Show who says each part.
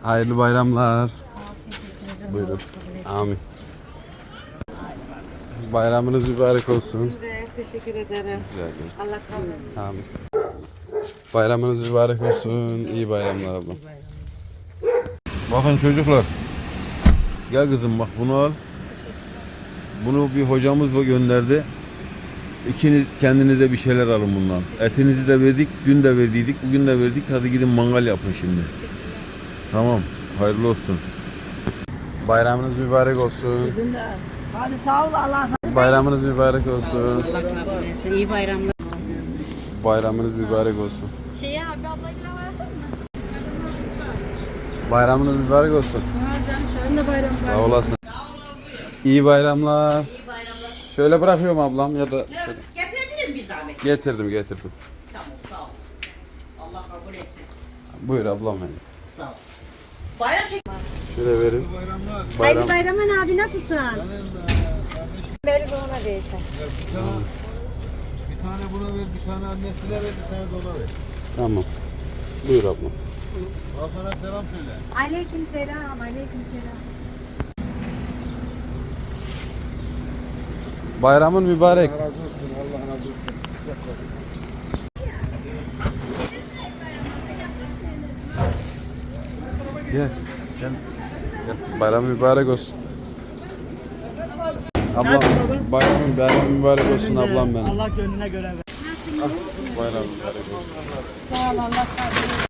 Speaker 1: Hayırlı bayramlar. Buyurun. Amin. Bayramınız mübarek olsun.
Speaker 2: Teşekkür ederim. Allah kabul etsin.
Speaker 1: Amin. Bayramınız mübarek olsun. İyi bayramlar ablam. Bakın çocuklar. Gel kızım bak bunu al. Bunu bir hocamız gönderdi. İkiniz kendinize bir şeyler alın bundan. Etinizi de verdik, dün de verdiydik, bugün de verdik. Hadi gidin mangal yapın şimdi. Tamam, hayırlı olsun. Bayramınız mübarek olsun.
Speaker 3: Sizin de. Hadi sağ ol Allah.
Speaker 1: Bayramınız mübarek olsun.
Speaker 2: Allah kabul etsin. İyi bayramlar.
Speaker 1: Bayramınız mübarek olsun.
Speaker 2: Abi ablayla vardın mı?
Speaker 1: Bayramınız mübarek olsun.
Speaker 2: Senin de bayram.
Speaker 1: Sağ olasın. İyi bayramlar. Şöyle bırakıyorum ablam ya da şöyle.
Speaker 3: Getirebilir miyim bir zahmet?
Speaker 1: Getirdim.
Speaker 3: Tamam sağ ol. Allah kabul etsin.
Speaker 1: Buyur ablam benim.
Speaker 3: Sağ ol. Bayram çek.
Speaker 1: Şöyle verin.
Speaker 4: Hayırlı bayramın abi, nasılsın? Verir ona versen.
Speaker 5: Bir tane buna ver, bir tane annesine ver, bir tane de ona ver.
Speaker 1: Tamam. Buyur ablam.
Speaker 5: Hakan'a selam söyle.
Speaker 4: Aleyküm selam, aleyküm selam.
Speaker 1: Bayramın mübarek.
Speaker 5: Allah razı olsun, Allah razı olsun.
Speaker 1: Gel. Gel. Bayram mübarek olsun. Ablam bayram mübarek olsun ablam benim.
Speaker 3: Allah gönlüne göre ver.
Speaker 1: Bayram mübarek olsun.
Speaker 2: Sağ ol Allah kabul etsin.